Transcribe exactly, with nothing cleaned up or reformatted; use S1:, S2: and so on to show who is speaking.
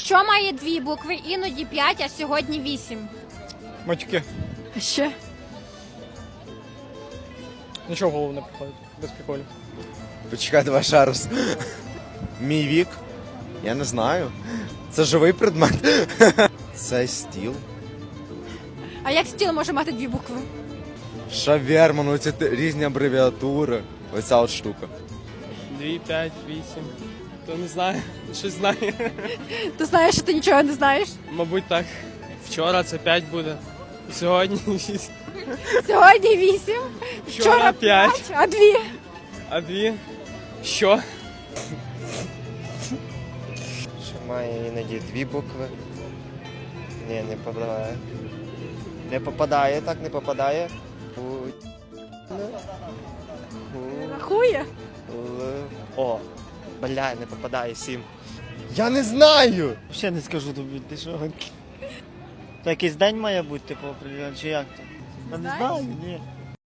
S1: Що має дві букви, іноді п'ять, а сьогодні вісім?
S2: Матюки.
S1: А ще?
S2: Нічого в голову не приходить. Без приколів.
S3: Почекай, давай ще раз. Мій вік? Я не знаю. Це живий предмет. Це стіл.
S1: А як стіл може мати дві букви?
S3: Шаверма, ну це те- різні абревіатури. Оця от штука.
S2: Дві, п'ять, вісім. То не знаю. Щось знаю.
S1: Ти знаєш, що ти нічого не знаєш?
S2: Мабуть, так. Вчора це п'ять буде. Сьогодні вісім.
S1: Сьогодні вісім,
S2: Вчора п'ять.
S1: а дві?
S2: А дві? Що?
S4: Що має іноді дві букви. Ні, не попадає. Не попадає, так не попадає. У... У...
S1: Рахує.
S4: Л... О, бля, не попадає, сім.
S3: Я не знаю!
S5: Ще не скажу тобі, ти що? То якийсь день має бути, типу, определений, чи як то? Я не знаю, ні.